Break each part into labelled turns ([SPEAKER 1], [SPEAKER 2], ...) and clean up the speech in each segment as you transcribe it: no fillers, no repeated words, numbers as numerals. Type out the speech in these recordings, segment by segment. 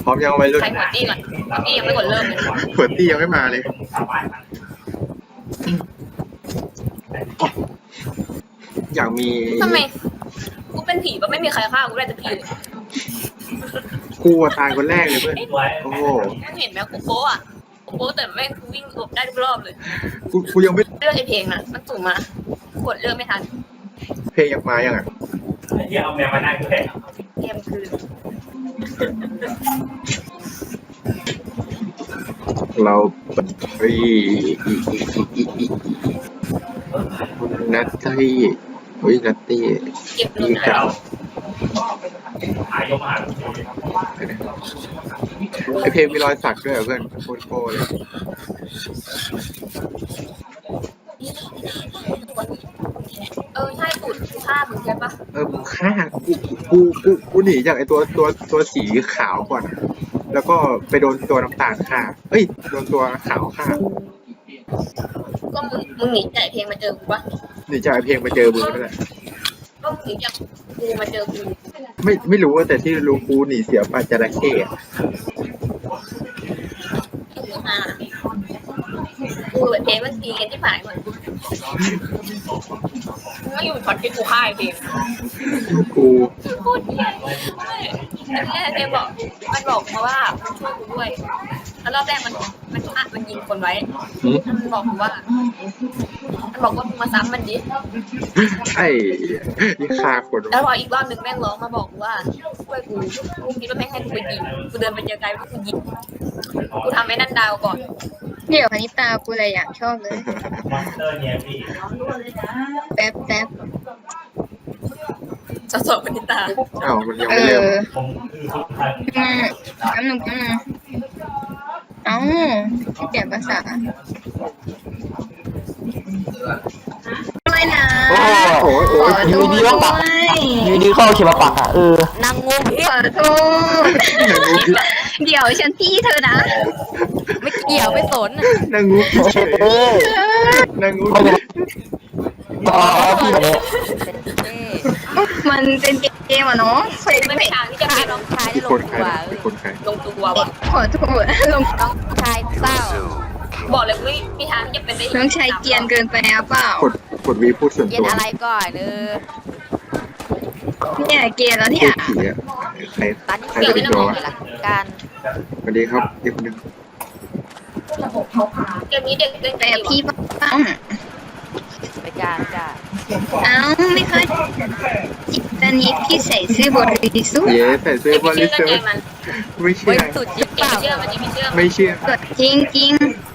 [SPEAKER 1] พร้อมยังไว้รุ่น
[SPEAKER 2] ใครหัวตี้ก่อนหัวตี้ยังไม่กดเริ่มเลย
[SPEAKER 1] เปิดตี้ยังไม่มาเลยอยากมี
[SPEAKER 2] ทำไมกูเป็นผีก็ไม่มีใครฆ่ากูได้สักทีเลย
[SPEAKER 1] กูตายคนแรกเลยเพื่อนโอ้โห
[SPEAKER 2] มึงเห็นไหมกูโป๊ะกูโป๊ะแต่แม่งกูวิ่งหลบได้ทุกรอบเลย
[SPEAKER 1] กูยังไม่
[SPEAKER 2] เลือกไอเพลงน่ะมันสุ่มมาขวดเลือกไม่ทัน
[SPEAKER 1] เพลงยังมายังอ่ะ
[SPEAKER 3] ที่เอาแมวมานั่งด้วย
[SPEAKER 2] เกมคือ
[SPEAKER 1] เราเฮ้ยนัตตี้เฮ้ยนัตตี้
[SPEAKER 2] เก็บหลุด
[SPEAKER 1] ที่
[SPEAKER 2] นะ
[SPEAKER 1] เก่า
[SPEAKER 3] หายกมา
[SPEAKER 1] ไอเพลงมีรอยสักด้วยเหรอเพื่อนโคตรโก้เลย
[SPEAKER 2] ใช่ตูดกูฆ่ามึงใช่ปะ
[SPEAKER 1] มึงฆ่ากูหนีจากไอตัวสีขาวก่อนอะแล้วก็ไปโดนตัวน้ำตาลฆ่าเอ้ยโดนตัวขาวฆ่า
[SPEAKER 2] ก็มึงหนีจากเพลงมาเจอกูปะ
[SPEAKER 1] หนีจากไอเพลงมาเจอมึงนั่นแหละ
[SPEAKER 2] ก็มึงหนีจากกูมาเจอกู
[SPEAKER 1] ไม่รู้ว่าแต่ที่รู้กูหนีเสียปลาจระเข้อะ
[SPEAKER 2] กูกับเพลงมันตีกันที่ผ่านเหมือนกูไม่อยู่ช็อตที่กูฆ่าไอเพลง
[SPEAKER 1] กู
[SPEAKER 2] พูดเหี้ยไม่เจ๊บอกมันบอกมาว่าช่วยกูด้วยแล้วรอบแรกมันยิงคนไว้มันบอกว่ามึงมาซ้ำมันดิ
[SPEAKER 1] ไอ้ยี่ฆ่าคน
[SPEAKER 2] แล้วพออีกรอบหนึ่งแม่งร้องมาบอกว่าช่วยกูคิดว่าแม่งให้กูไปยิงกูเดินไปเจอไกลว่ากูยิงกูทำไอ้นั่นดาวก่อน
[SPEAKER 4] เดี๋ยวคณิตากูเลยอยากชอบเลย
[SPEAKER 3] มอนสเตอร์เนี่ยพี่
[SPEAKER 4] แป๊บ
[SPEAKER 2] สดๆปณิตา
[SPEAKER 1] อ้าวมันยังไม่เริ่ม
[SPEAKER 3] ผมคือทุกท่าน
[SPEAKER 4] แป๊บนึงเอ้าที่เปลี่ยนภาษาไม่นะ
[SPEAKER 5] โอ้
[SPEAKER 1] โอ้ย
[SPEAKER 4] ข
[SPEAKER 1] โอ้
[SPEAKER 4] อย โท
[SPEAKER 5] อยู่
[SPEAKER 4] ษ
[SPEAKER 5] ดี
[SPEAKER 4] ด้
[SPEAKER 5] ก็ปัก
[SPEAKER 4] วย
[SPEAKER 5] อยู่ดีเข้าเข็มมาปักอ่ะ
[SPEAKER 2] นางงูพิษ
[SPEAKER 4] ขอโทษเดี๋ยวฉันพี่เธอนะ
[SPEAKER 2] ไม่เกี่ยวไม่สน
[SPEAKER 1] นางงูพิเฉย
[SPEAKER 5] เออน
[SPEAKER 1] างงู
[SPEAKER 5] ไม่เป็นอ๋อพี่แบบนี้
[SPEAKER 4] มันเป็นเกมอะเนาะเฟซ
[SPEAKER 2] ไม่มีทางที่จะเป็นน้องชาย
[SPEAKER 1] ที่
[SPEAKER 2] ได้
[SPEAKER 1] คนใครที่คนใคร
[SPEAKER 2] ลงตัวว่ะ
[SPEAKER 4] ขอโทษลง
[SPEAKER 2] น้องชายเศร้าบอกเลยไม่มีทางที่จะเป็นได้
[SPEAKER 4] น้องชายเกรียนเกินไปหรือเปล่าก
[SPEAKER 1] ดวีพูดส่วน
[SPEAKER 2] เกีย
[SPEAKER 1] ตั
[SPEAKER 2] น
[SPEAKER 1] ว
[SPEAKER 2] อะไรก่อน
[SPEAKER 4] เนี่ยเกรียนแล้ว
[SPEAKER 1] พู
[SPEAKER 4] เนี่ย
[SPEAKER 1] ดผีอะใคร
[SPEAKER 2] ตอนนี้
[SPEAKER 1] ใคร
[SPEAKER 2] เกี่ยว
[SPEAKER 1] จะ
[SPEAKER 2] ไม่
[SPEAKER 1] เป็น
[SPEAKER 2] ต้อง
[SPEAKER 1] ตัว
[SPEAKER 2] บอกหลักการ
[SPEAKER 1] สวัสดีครับเด็กคนหนึง
[SPEAKER 2] เกมนี้เด็กเล่น
[SPEAKER 4] แต่
[SPEAKER 2] กัน
[SPEAKER 4] พี่บ้าง
[SPEAKER 2] ไปจ้าจ้า
[SPEAKER 4] เอ้าไม่เคยตอนนี้พี่ใส่เสื้อบริสุทธิ์
[SPEAKER 1] เย้ใส่เสื้อบริสุท
[SPEAKER 2] เกม
[SPEAKER 1] ธิ์
[SPEAKER 2] มัน
[SPEAKER 1] ไม่เชื่อ
[SPEAKER 2] สุดจิ๊บเปล่าเชื่อมันดิไม่เชื่อ
[SPEAKER 1] ไม่เชื่อ
[SPEAKER 4] จริง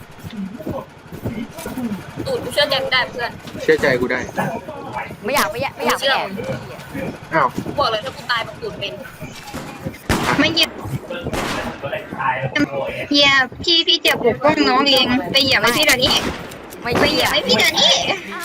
[SPEAKER 2] ตูดกูเชื่อใจไม่ได้เพื่อน
[SPEAKER 1] เชื่อใจกูได้
[SPEAKER 2] ไม่อยากเชื่อ
[SPEAKER 1] อ้าว
[SPEAKER 2] บอกเลยถ้ากูตายแบบตูดเป็น
[SPEAKER 4] ๆไม่เหยียบเหยียบพี่จะปกป้องน้องเองไปเหยียบไว้พี่เดี๋ยวนี้ไปเหยียบไว้พี่เดี๋ยวนี้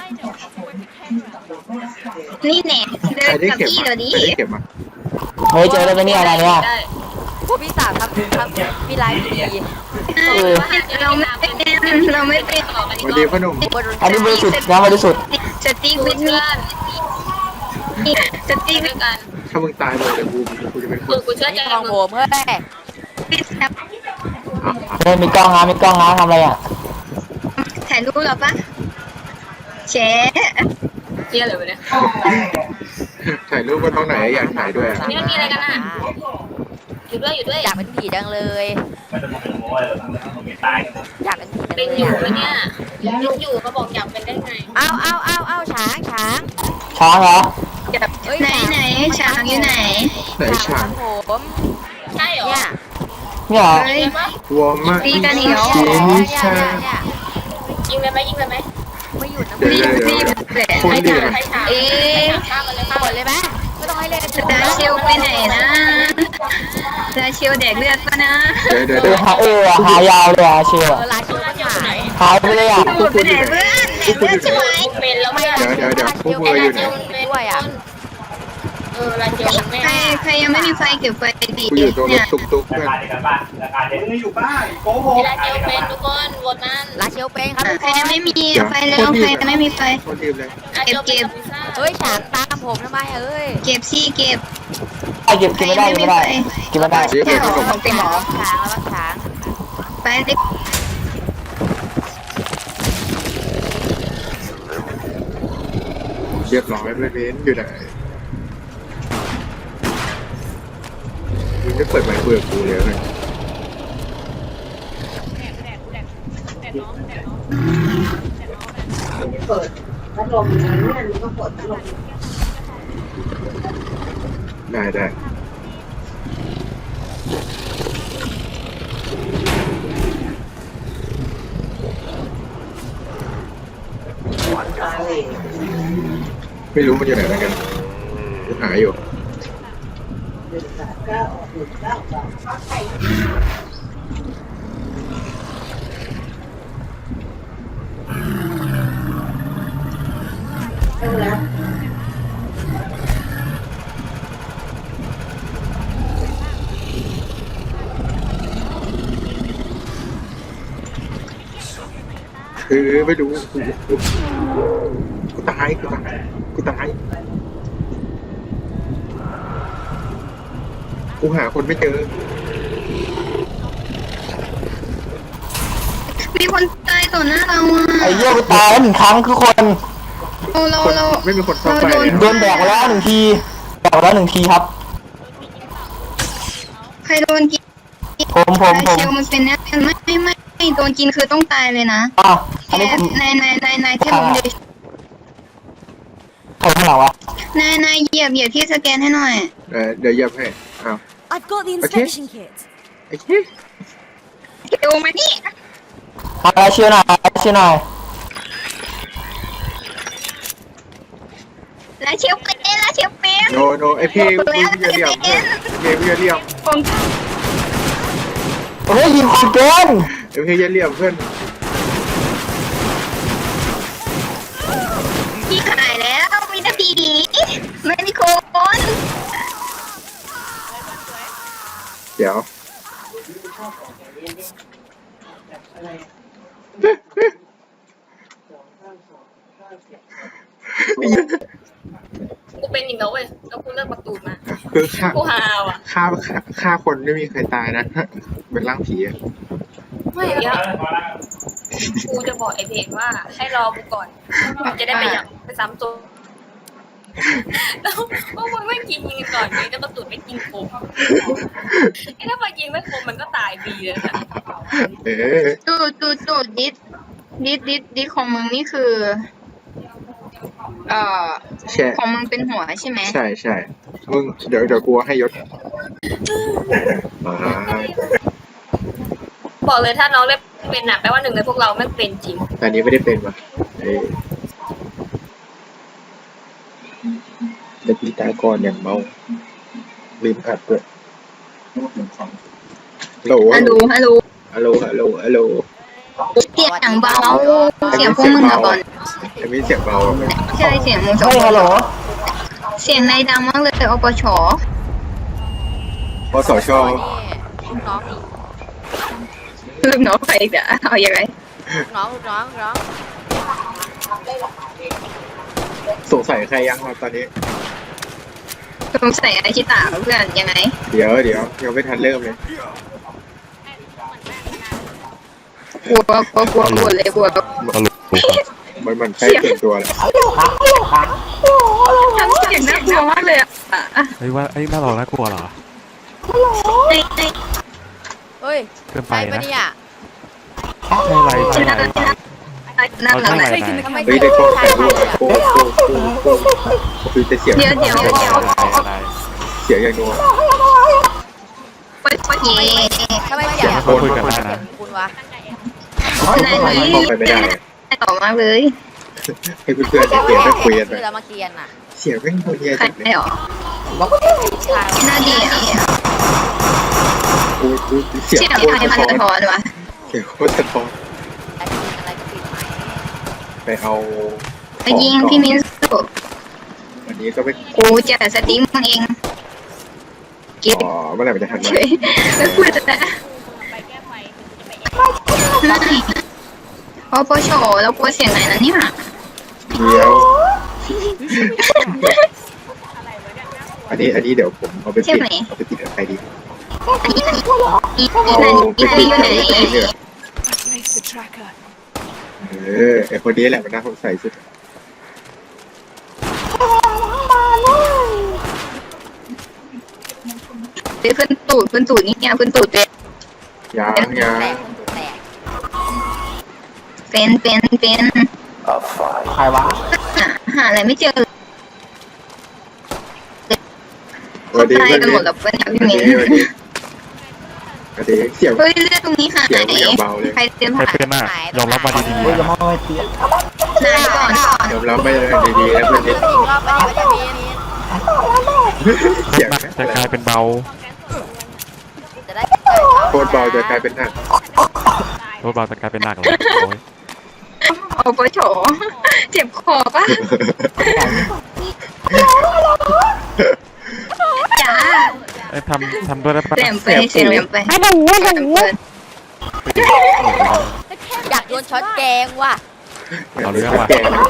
[SPEAKER 4] นี่แน่เดิ
[SPEAKER 1] ใคร
[SPEAKER 4] น
[SPEAKER 1] ได้
[SPEAKER 4] กับ
[SPEAKER 1] เก็บ
[SPEAKER 4] พี่
[SPEAKER 1] มา
[SPEAKER 4] เดี๋ยวนี้
[SPEAKER 1] ใครได้เก็บมา
[SPEAKER 5] เฮ้ยเจอแล้วเป็นนี่อะไรเนี่ย
[SPEAKER 2] พวกพี่สาวทำพี่ไลฟ์ดี
[SPEAKER 4] เราไม่เป็นเราไม่เป็น
[SPEAKER 1] สวัสดีพ่อหนุ่ม
[SPEAKER 5] อันนี้บริสุทธิ์นะบริสุทธิ์
[SPEAKER 4] สติ๊กวิดมีสติ๊ก
[SPEAKER 2] ด้วยกัน
[SPEAKER 1] ถ้ามึงตายเลยเดี๋ยวกูจะเป็นค
[SPEAKER 2] ตู
[SPEAKER 1] น
[SPEAKER 2] ดกูเชื่อใจ
[SPEAKER 6] ของผมเฮ้ย
[SPEAKER 4] วิดครับ
[SPEAKER 5] เฮ้ยมีกล้องนะทำอะไรอ่ะ
[SPEAKER 4] ถ่ายรูปเหรอปะแชร์
[SPEAKER 2] เชื่อเลยเนี่ย
[SPEAKER 1] ถ่ายรูปกันตรงไหนอยากถ่ายด้วยอะ
[SPEAKER 2] นี่มันมีอะไรกันอ่ะอยู่ด้วย
[SPEAKER 6] อยากเป็นผีจังเลย
[SPEAKER 3] มันจะมาเป็นโม้เลยไม่ตาย
[SPEAKER 6] อยากเป็นผีจัง
[SPEAKER 2] เป็น
[SPEAKER 6] เลย
[SPEAKER 2] อยู่
[SPEAKER 6] อะ
[SPEAKER 2] แล้วเนี่ยยังอยู่เขาบอกอยากเป็นได้ไง
[SPEAKER 6] เอาช้าง
[SPEAKER 5] ช้างเหรอ
[SPEAKER 6] เฮ้ย
[SPEAKER 4] ไหนช้างอยู่ไหน
[SPEAKER 1] ไหนฉาก
[SPEAKER 6] ผม
[SPEAKER 2] ใช่เหรอ
[SPEAKER 6] เนี่ย
[SPEAKER 5] เนี่ยเหรอ
[SPEAKER 4] เฮ้ย
[SPEAKER 1] วัวมาก
[SPEAKER 4] ตีกันอีกเหรอ
[SPEAKER 1] ชีนิชา
[SPEAKER 6] เนี่ย
[SPEAKER 2] ยิงเลยไหม
[SPEAKER 6] ไม่หยุดนะ
[SPEAKER 4] รีบแหละ
[SPEAKER 1] คนดีนะ
[SPEAKER 2] ใครถาม
[SPEAKER 4] เอ๊ะ
[SPEAKER 2] ฆ่ามันเลย
[SPEAKER 6] หมดเลยไหมไม่ต้องให้เล่น
[SPEAKER 4] ดาเชลไปไหนนะดาเชลแดกเลือดปะนะ
[SPEAKER 1] เดี๋ยว
[SPEAKER 5] หายาวเลยอ่ะเชียว
[SPEAKER 6] ลาชิวมันหาย
[SPEAKER 5] หายไปเลยอ่ะ
[SPEAKER 4] หมดไปไหนเพื่อนแดกเลือดใช่ไหม
[SPEAKER 2] เป็นแล้วไม่
[SPEAKER 1] เดี๋ยวพวกมืออยู่ไหน
[SPEAKER 6] ด้วยอ่ะ
[SPEAKER 2] ลาเจียวไม่
[SPEAKER 4] ใครยังไม่มีไฟเก็บไฟดี
[SPEAKER 1] กูอยู่ตรงร
[SPEAKER 4] เนี่
[SPEAKER 1] ถ
[SPEAKER 4] ย
[SPEAKER 1] ตุ๊กๆเพื่อน
[SPEAKER 3] การในการบ้านการเด็กอยู่บ้านโกหก
[SPEAKER 2] ลาเจียวเป็นทุกคนโหวตมัน
[SPEAKER 6] ลาชิวเป็นครับ
[SPEAKER 4] ใครยังไม่มีไฟแล้วใครยังไม่มีไฟ
[SPEAKER 1] โคตรรีบเลย
[SPEAKER 2] ลาเจียวเป็นพิซซ่า
[SPEAKER 6] เฮ้ยฉางตามผมทำไมเอ้ย
[SPEAKER 4] เก็บซี่เก็บ
[SPEAKER 5] เก็บไม่ได้เก็บไม่ได้เก็บไม่ได้
[SPEAKER 1] ซื้อ
[SPEAKER 4] ใช่
[SPEAKER 1] เป็น
[SPEAKER 4] หร
[SPEAKER 1] ข
[SPEAKER 4] อน
[SPEAKER 1] ม
[SPEAKER 4] ของเต็มหรอ
[SPEAKER 6] ช้างแล้วช้าง
[SPEAKER 4] ไปดิ
[SPEAKER 1] เรียบร้อยเพื่อนเบนอยู่ไหนมึงจะเปิดไมค์คุยกับกูเลยไหมได้ไม่รู้มันอยู่ไหนเหมือนกันกูหาอยู่คือไม่รู้กูตายกูหาคนไม่เจอ
[SPEAKER 4] มีคนตายต่อหน้าเราอ่ะ
[SPEAKER 5] ไอ้เหี้ยกูตายแล้ว1 ครั้งคือคน
[SPEAKER 4] เรา
[SPEAKER 1] ไม่มีคนซ่อมไฟเลย
[SPEAKER 5] โดนแบกแล้ว1 ทีแบกแล้ว1 ทีครับ
[SPEAKER 4] ใครโดนกิน
[SPEAKER 5] ผม
[SPEAKER 4] เชลมันเป็นแน่ไม่โดนกินคือต้องตายเลยนะ
[SPEAKER 5] อ่ะอันนี้ผม
[SPEAKER 4] นายเทพผมเดช
[SPEAKER 5] ใครข้างหลังวะ
[SPEAKER 4] นายเหยียบที่สแกนให้หน่อย
[SPEAKER 1] เดี๋ยวเหยียบให้อ้าว
[SPEAKER 6] I've got the inspection kit
[SPEAKER 1] ไอ้เ
[SPEAKER 4] เชลมานี่
[SPEAKER 5] อะไรเชื่อหน่อยเชื่อหน่อย
[SPEAKER 4] แล้วเชลเป็น
[SPEAKER 1] โนไอ้เพลงมึงอย่าเหลี่ยมเพลงมึงอย่าเหลี่ยม
[SPEAKER 4] ผม
[SPEAKER 5] เฮ้ยยิงคนเกิน
[SPEAKER 1] ไอ้เพลงอย่าเหลี่ยมเพื่อน
[SPEAKER 4] พี่หายแล้วมีแต่ผีไม่มีคน
[SPEAKER 1] เดี๋ยว
[SPEAKER 2] กูเป็นอีกแล้วเว้ยแล้วกูเลิกประตูมา
[SPEAKER 1] คือ
[SPEAKER 2] กูฮาวอ่ะ
[SPEAKER 1] ฆ่าคนไม่มีใครตายนะ เป็นร่างผีอะ
[SPEAKER 2] ไม่เนี้ยกูจะบอกไอ้เพลงว่าให้รอกูก่อนจะได้ไปซ้ำตัวแล้วพวกมึงไม่กินยิงกันก่อนเลยแล้วก็ตุ่นไม่กินคมไอ้ถ้าพอยิงไม่คมมันก็ตายฟรีเลยนะ
[SPEAKER 1] เอ๊ะ
[SPEAKER 4] จูดดิสของมึงนี่คือ
[SPEAKER 1] แช่
[SPEAKER 4] ของมึงเป็นหัวใช่ไหม
[SPEAKER 1] ใช่มึงเดี๋ยวกูให้ยศมา
[SPEAKER 2] บอกเลยถ้าน้องเล่นเป็นหนักแปลว่าหนึ่งในพวกเราไม่เป็นจริง
[SPEAKER 1] แต่อันนี้ไม่ได้เป็นว่ะเด็กตายก่อนอย่างเมาลืมอัดด้วยฮัลโหล
[SPEAKER 4] ฮัลโหลเสียงเบาเสียงพวกมึงอะบอล
[SPEAKER 1] จะมีเสียงเบาไหม
[SPEAKER 4] ใช่เสียงมึงสอง
[SPEAKER 5] เฮ้ยฮัลโหล
[SPEAKER 4] เสียงนายดังมากเลยอปช
[SPEAKER 1] ปสช
[SPEAKER 6] นี่น้องอีก
[SPEAKER 4] ลืมน้องไปอีกอะเอาอย่างไร
[SPEAKER 6] น้อง
[SPEAKER 1] สงสัยใครยังครับตอนนี้
[SPEAKER 4] สงสัยไอชิตาเพื่อนยังไง
[SPEAKER 1] เดี๋ยวยังไม่ทันเริ่มเลย
[SPEAKER 4] กลัวเลยกลัว
[SPEAKER 1] มันใกล้เกินตัวแล้ว
[SPEAKER 4] ทำเสียงน่ากลัวมากเลยอะ
[SPEAKER 7] เฮ้ยว่าไอ้ยน่าหลอกน่ากลัวเหรอ
[SPEAKER 6] เฮ้ย
[SPEAKER 7] เกินไป
[SPEAKER 6] ใช่ปะ
[SPEAKER 7] นะ
[SPEAKER 6] เนี่ย
[SPEAKER 7] ไม่ไรไม่ไร
[SPEAKER 4] น่า
[SPEAKER 7] เอา
[SPEAKER 4] รั
[SPEAKER 7] ใช่
[SPEAKER 4] ก
[SPEAKER 7] ไหม
[SPEAKER 4] เลย
[SPEAKER 6] ทำไม
[SPEAKER 1] เฮ้ย
[SPEAKER 6] เสีย
[SPEAKER 1] ได้
[SPEAKER 6] ง
[SPEAKER 1] กล้อง
[SPEAKER 6] ชา
[SPEAKER 1] ถ่าย
[SPEAKER 6] ย
[SPEAKER 1] รูป
[SPEAKER 6] เลยอะ
[SPEAKER 1] คือจะเสียง
[SPEAKER 4] เดี๋ยว
[SPEAKER 7] อะไร
[SPEAKER 1] เสียงอย่างนัว
[SPEAKER 4] เย่
[SPEAKER 6] ทำไมเสียง
[SPEAKER 7] เขาคุยกันได้นะ
[SPEAKER 6] คุณวะ
[SPEAKER 4] นายนี้
[SPEAKER 1] มองไปไม่ได้
[SPEAKER 4] ต่อมากเลย
[SPEAKER 1] ให้เพื่อนๆในเกมได้คุยกันไป
[SPEAKER 6] คือเรามาเกียนอ่ะ
[SPEAKER 1] เสียงแม่งโคตรเฮีย
[SPEAKER 4] ใคร
[SPEAKER 1] จังเลย
[SPEAKER 4] หรอ
[SPEAKER 6] ชาย
[SPEAKER 4] น่าดีอ่ะ
[SPEAKER 1] กูเสียง
[SPEAKER 4] เสียง
[SPEAKER 1] โคตร
[SPEAKER 4] ใคร
[SPEAKER 1] สะ
[SPEAKER 4] มัน
[SPEAKER 1] ท้อน
[SPEAKER 4] สะท้อนวะ
[SPEAKER 1] เสียงโคตรสะท้อน
[SPEAKER 6] อะไรก็ปิดไหม
[SPEAKER 1] ไปเอา
[SPEAKER 4] ไปยิงพี่มินสุ
[SPEAKER 1] วันนี้ก็ไม่
[SPEAKER 4] กูจะสตรีมมึงเองเก็บ
[SPEAKER 1] อ๋อเมื่อไหร่มันจะทัน
[SPEAKER 4] เฉ
[SPEAKER 1] วะ
[SPEAKER 4] ยแล้วกูจะอปชแล้วกูเสียงไหนนะเนี่ย
[SPEAKER 1] เดี๋ยวไปอันนี้เดี๋ยวผมเอาไปติดกับใครดี
[SPEAKER 4] อันนี้
[SPEAKER 1] เอาไปติด
[SPEAKER 4] อยู่
[SPEAKER 1] กับ
[SPEAKER 4] ไหน
[SPEAKER 1] ใครดีเนี่ยไอคนนี้แหละมันน่าสงสัยสุด
[SPEAKER 4] ขึ้นตูดนี่เนี่ยขึ้นตูดเป็น
[SPEAKER 1] ยัง
[SPEAKER 6] แตกแตก
[SPEAKER 4] เป็น
[SPEAKER 5] ใครวะ
[SPEAKER 4] หาอะไรไม่เจอ
[SPEAKER 1] สวัสดี
[SPEAKER 4] ตาย
[SPEAKER 1] เพื่อน
[SPEAKER 4] กันหม
[SPEAKER 1] มิ้
[SPEAKER 4] ด
[SPEAKER 1] น
[SPEAKER 4] แล้วเป็น
[SPEAKER 1] ส
[SPEAKER 4] พี่
[SPEAKER 1] วัส
[SPEAKER 4] มิ้
[SPEAKER 1] ดี
[SPEAKER 4] น
[SPEAKER 1] สวัสดีเสียง
[SPEAKER 4] เฮ้ยเลือดตรงนี้หาย
[SPEAKER 1] เสียงอย่างเบาเลย
[SPEAKER 4] ใครเตรียม
[SPEAKER 7] ใคร
[SPEAKER 4] ผ่า
[SPEAKER 7] เป็นอ่ะยอมรับมาดี
[SPEAKER 5] เฮ้ย
[SPEAKER 7] ๆ
[SPEAKER 5] จะ
[SPEAKER 7] นะ
[SPEAKER 5] มองไม่เตี้ย
[SPEAKER 4] นายก่อน
[SPEAKER 1] ยอมรับไม่ได้ดีๆนะเพื่อนมิ้น
[SPEAKER 6] อีกรอบไปจะมี
[SPEAKER 1] เสียง
[SPEAKER 7] หนักจะกลายเป็นเบา
[SPEAKER 6] จะได้
[SPEAKER 1] โคตรเบาจะกลายเป็นหนัก
[SPEAKER 7] รถเบาจะกลายเป็นหนักเลยโอ้ย
[SPEAKER 4] โอ้โหโฉเจ็บคอปะจ้า
[SPEAKER 7] ไอ้ยทำด้วยได้ปะ
[SPEAKER 4] แหลมไปเสียงแหลมไปไม่ดู
[SPEAKER 6] อยากโดนช็อตแกงว่ะ
[SPEAKER 7] เอาเรื่องว่ะ
[SPEAKER 1] แก่เลย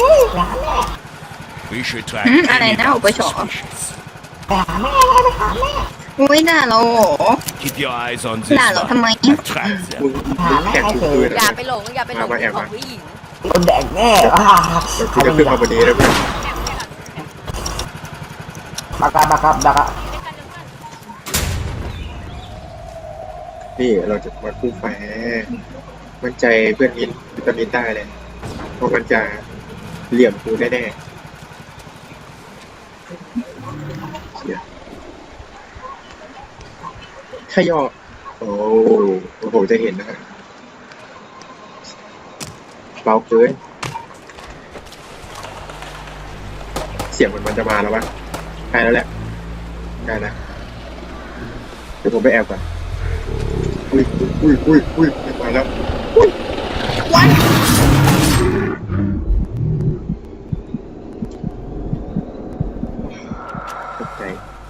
[SPEAKER 8] We should
[SPEAKER 4] อะไร
[SPEAKER 8] track
[SPEAKER 4] นะโอ้โหโฉอุ้ยด่าเรา
[SPEAKER 8] Keep your eyes on
[SPEAKER 4] ด่าเราทำไม
[SPEAKER 8] Track
[SPEAKER 1] มึงแข่งกูคืน
[SPEAKER 6] อย่า
[SPEAKER 1] นะ
[SPEAKER 6] ไปหลงอย่าไปหลงของผู้หญิง
[SPEAKER 5] คนแดกแน่
[SPEAKER 1] กูจะขึ้นมาวันนี้แล้วเพื่อน
[SPEAKER 5] บักอะ
[SPEAKER 1] นี่เราจะมาคู่แฝมั่นใจเพื่อนมิ้นวิตามินได้เลยเพราะมันจะเหลี่ยมกูแน่ๆเสียขย่อโอ้โหจะเห็นนะฮะเบาเกินเสียงมันจะมาแล้ววะใกล้แล้วแหละใกล้แล้วเดี๋ยวผมไปแอบก่อนอุ้ยมาแล้วตกใจ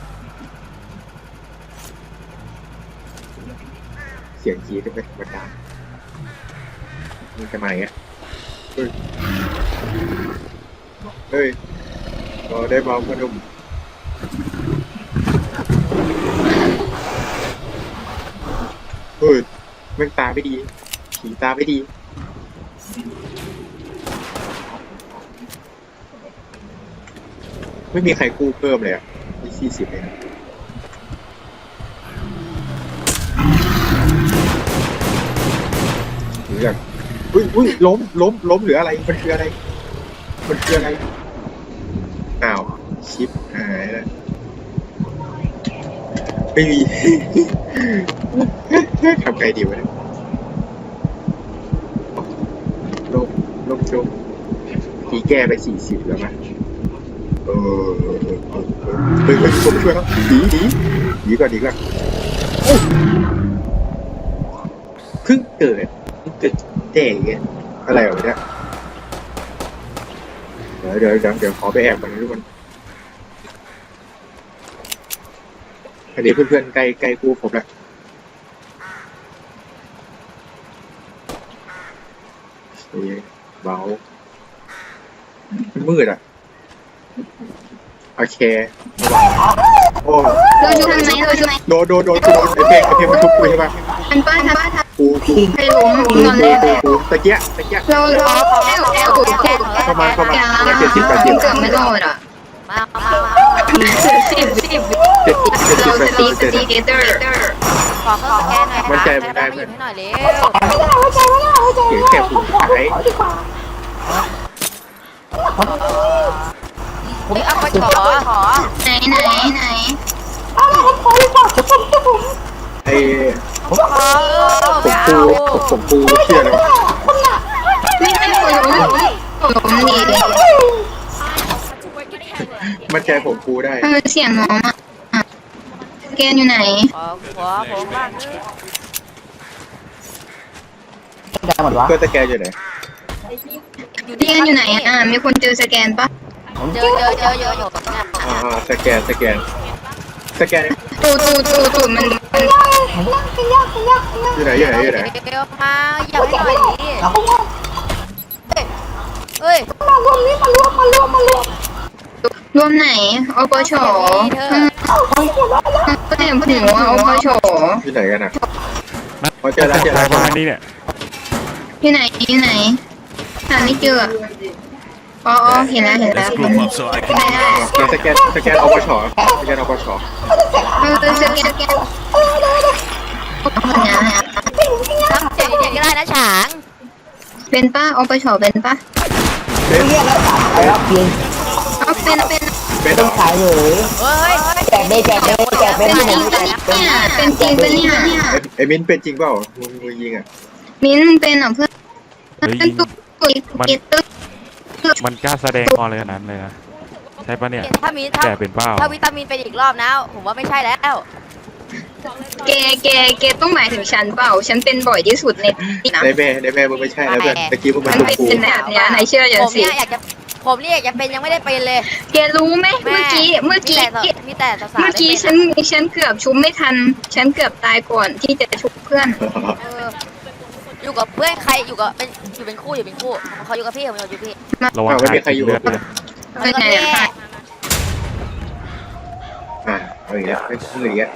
[SPEAKER 1] เสียงจี๊ดเป็นธรรมดามันจะมาอย่างเงี้ยเฮ้ยเราได้เบาพนุ่มเฮ้ยแม่งตาไม่ดีผีตาไม่ดีไม่มีใครกู้เพิ่มเลยอ่ะมี40เลยนะหรืออย่างอุ้ยล้มหรืออะไรมันคืออะไรอ้าวชิปหายแล้วไม่มี ทำไงดีวะเนี่ยลมจมผีแก้ไป40แล้วมั้ยเฮ้ยผมช่วยแล้วดีก่อนเพิ่งเกิดแด่เงี้ยอะไรวะเนี่ยเดี๋ยวขอไปแอบก่อนนะทุกคนอันนี้เพื่อนๆใกล้กูผมแล้วเบามืดอ่ะโอเคโอ้
[SPEAKER 4] เราอยู่ทางไหนเราอยู่ไหน
[SPEAKER 1] โดนไอเพลงมันทุบกูใช่ปะ
[SPEAKER 4] ทันป้า
[SPEAKER 1] กู
[SPEAKER 4] ใครล้มนอนแรก
[SPEAKER 1] ตะเกียะ
[SPEAKER 4] เราแค่ถูก
[SPEAKER 1] เข้ามา
[SPEAKER 4] อย่า
[SPEAKER 1] 70 80
[SPEAKER 4] เกือบไม่โดนอ่ะ
[SPEAKER 6] มา
[SPEAKER 4] เราสตีเกเตอร์
[SPEAKER 6] ขอเข้าสแกนหน่อยค่ะให้หยิบให้หน่อยเร็ว
[SPEAKER 1] เสียงแค่หูหาย
[SPEAKER 6] เอาไปขอ
[SPEAKER 4] ไหน
[SPEAKER 1] ไอ้
[SPEAKER 6] ขอไม่เอา
[SPEAKER 1] ผมกูเชื่อแล้ว
[SPEAKER 4] ไม่ใช่คนล้มดี
[SPEAKER 1] มันใจผมกูได้
[SPEAKER 4] มันเสียงน้องอ่ะสแกนอยู่ไหน
[SPEAKER 6] ขอผมบ้าง
[SPEAKER 5] ได้หมดวะ
[SPEAKER 1] ก็ตะแกรงอยู่ไหน
[SPEAKER 6] อยู่
[SPEAKER 4] สแกนอยู่ไหนอ่ะมีคนเจอสแกนปะ
[SPEAKER 6] เจออยู่เนี่ย
[SPEAKER 1] สแกน
[SPEAKER 4] ตูมัน
[SPEAKER 1] อยู่ไหน
[SPEAKER 6] เร็วมาอยากให้หน่อยดิเฮ้ย
[SPEAKER 4] รวมไหนอปช
[SPEAKER 6] เธอ
[SPEAKER 4] ก็เห็นผู้หญิงว่าอปช
[SPEAKER 1] ที่ไหนกันอ่ะ
[SPEAKER 7] นัด
[SPEAKER 1] พอเจอแล้วเจอแล้ว
[SPEAKER 7] ประมาณนี้เนี่ย
[SPEAKER 4] ที่ไหนหาไม่เจออ๋อเห็นแล้ว
[SPEAKER 8] Let's group up so I can.
[SPEAKER 4] ได้
[SPEAKER 1] เราสแกนอปชสแกนอปช
[SPEAKER 4] สแกนนะ
[SPEAKER 6] ทำเสียงเด็กก็ได้นะฉาง
[SPEAKER 4] เป็นป้าอปชเป็นป้า
[SPEAKER 1] เป็น
[SPEAKER 4] เอาเป็น
[SPEAKER 1] เป็นเหรอ
[SPEAKER 6] เฮ้ย
[SPEAKER 4] เป็นจริงปะเนี่ยเป็นจริงปะเนี่ย
[SPEAKER 1] ไอ้มิ้นเป็นจริงเปล่ามึงยิงอ่ะ
[SPEAKER 4] มิ้นเป็นเหรอเพื่อน
[SPEAKER 7] เฮ้ย
[SPEAKER 4] เป็นตุ๊กเกตตึ๊ก
[SPEAKER 7] มันกล้าแสดงออนเลยขนาดนั้นเลยนะใช่ปะเนี่ย
[SPEAKER 6] ถ้ามี
[SPEAKER 7] แกเป็นเปล่า
[SPEAKER 6] ถ้าวิตามินเป็นอีกรอบนะผมว่าไม่ใช่แล้ว
[SPEAKER 4] แกต้องหมายถึงฉันเปล่าฉันเป็นบ่อยที่สุดในนี่นะ
[SPEAKER 1] ในแม่มึงไม่ใช่แล้วเพื่อนตะกี้มึง
[SPEAKER 4] มั
[SPEAKER 1] เป็น น
[SPEAKER 4] เป็น
[SPEAKER 1] กู
[SPEAKER 4] แบบเนี้ยนายเชื่อฉัน
[SPEAKER 6] ผม
[SPEAKER 4] สิ
[SPEAKER 6] เนี่ยอยากจะผมเนี่ยอยากจะเป็นยังไม่ได้เป็นเลย
[SPEAKER 4] แกรู้ไหมเมื่อกี้
[SPEAKER 6] มีแต่สาวๆ
[SPEAKER 4] เมื่อกี้
[SPEAKER 6] ได้เป็น
[SPEAKER 4] ฉันเกือบชุบไม่ทัน ฉันเกือบตายก่อนที่จะชุบเพื่อน
[SPEAKER 6] เอออยู่กับเพื่อนใครอยู่กับเป็นคู่เขาอยู่กับพี่ผมอยู่กับพี่
[SPEAKER 7] ระวัง
[SPEAKER 1] ไม่มีใครอยู่
[SPEAKER 7] เลือดเลย
[SPEAKER 4] เป็นไงอะ
[SPEAKER 1] เอาอีกแล้วไม่พูดอีกแล้ว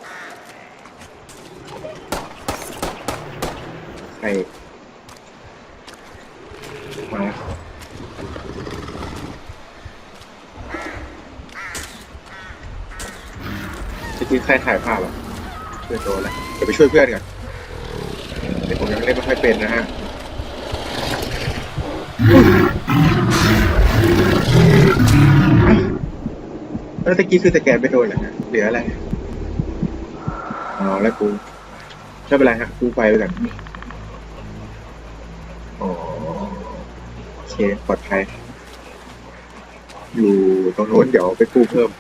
[SPEAKER 1] ใครมาจะกินใครถ่ายภาพอ่ะช่วยโตแล้วเดี๋ยวไปช่วยเพื่อนก่อนเดี๋ยวผมยังเล่นไม่ค่อยเป็นนะฮะแล้วตะกี้คือสแกนไปโดนเหรอฮะเหลืออะไรอ๋อแล้วกูไม่เป็นไรฮะกูไปก่อนอ๋อโอเคปลอดภัยอยู่ตรงโน้นเดี๋ยวไปกู้เพิ่ม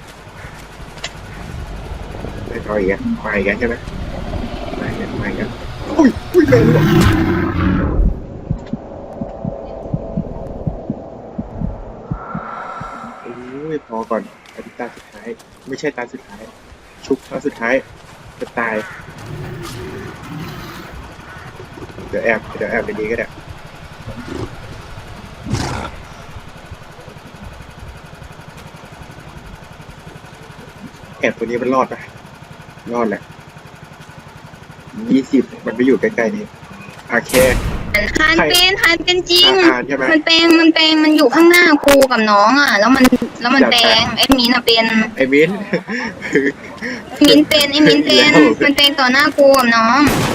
[SPEAKER 1] ไม่เอาอีกแล้วมาอีกแล้วใช่ไหมมาอีกแล้วอุ้ยเป็นหรออุ้ยพอก่อนอันนี้ตาสุดท้ายไม่ใช่ตาสุดท้ายชุบตาสุดท้ายจะตายเดี๋ยวแอบในนี้ก็ได้แอบตัวนี้มันรอดปะรอดแหละ20มันไปอยู่ใกล้ๆนี้โอเค
[SPEAKER 4] ฮันเป็นจริง
[SPEAKER 1] ใช่ไหม
[SPEAKER 4] มันอยู่ข้างหน้ากูกับน้องอ่ะ แล้วมันแปลงไอ้มิ้นอะเป็น
[SPEAKER 1] ไอ้มิ้น
[SPEAKER 4] มิ้นเป็นมันแปลงต่อหน้ากูกับน้อง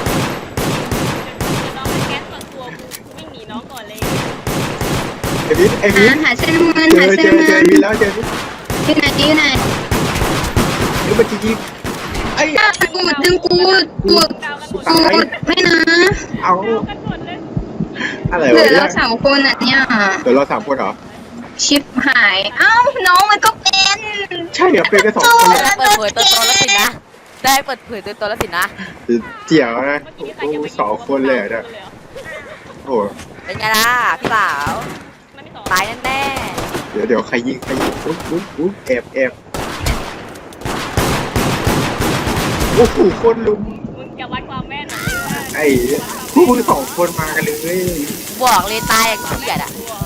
[SPEAKER 1] ไอ้มิ้น
[SPEAKER 4] หาเส้นเงิน
[SPEAKER 1] เจอมิ้นแล้วเจอมิ้น
[SPEAKER 4] ที่ไหน
[SPEAKER 1] นี่มันจริงไอ้
[SPEAKER 4] กูดึงกูไม่นะ
[SPEAKER 1] เอาอะไร
[SPEAKER 4] เหลื
[SPEAKER 1] วะ
[SPEAKER 4] อ
[SPEAKER 1] เนี่
[SPEAKER 4] เรา
[SPEAKER 1] ย
[SPEAKER 4] 3 คนอ่ะเนี่ย
[SPEAKER 1] เดี๋ยวเรา3 คนเหรอ
[SPEAKER 4] ชิปหายเอ้าน้องมันก็เป็น
[SPEAKER 1] ใช่เหรอเป็นกัน2 คน
[SPEAKER 6] เปิดเผยตัวตนแล้วสินะได้เปิดเผยตัวตนแล้วสินะ
[SPEAKER 1] เจียวนะโอ้2 คนเลยเนี่ยโอ้
[SPEAKER 6] เป็นไงล่ะพี่สาวตายแน่
[SPEAKER 1] เดี๋ยวใครยิงอุ๊ยแอบโอ้โหคนลุม
[SPEAKER 2] มึงจะวัดความแม่นหน่อย
[SPEAKER 1] ไอ้พวกมึง2 คนมากันเลย
[SPEAKER 6] ๆบอกเลยตายอย่างเกลียดอ่ะ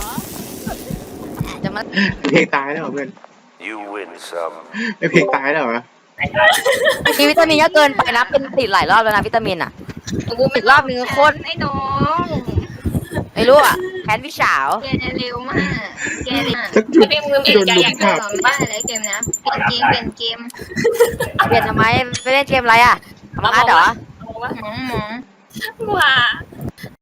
[SPEAKER 6] จะมา
[SPEAKER 1] เพลงตายแล้วเหรอเพื่อน
[SPEAKER 8] You win some.
[SPEAKER 1] ไอ้เพลงตายแล้วเหรอ
[SPEAKER 6] มีวิตามินก็เกินไปนะเป็นติดหลายรอบแล้วนะวิตามินอ่ะกูอีกรอบนึงโคน
[SPEAKER 4] ไอ้น้อง
[SPEAKER 6] ไม่รู้อ่ะแคนพี่สาว
[SPEAKER 4] แกเร็วมากแกเร็ว
[SPEAKER 1] สักจุด
[SPEAKER 4] เป็นมือเปลี่ยนใจอยากจะ
[SPEAKER 1] ภาพ
[SPEAKER 4] สอนไม่ได้เลยเกมนะเปลี่ยนเกม
[SPEAKER 6] เปลี่ยนทำไมไปเล่นเกมอะไรอ่ะทำอาร์ตเหรอ
[SPEAKER 4] หมอง
[SPEAKER 2] ว่า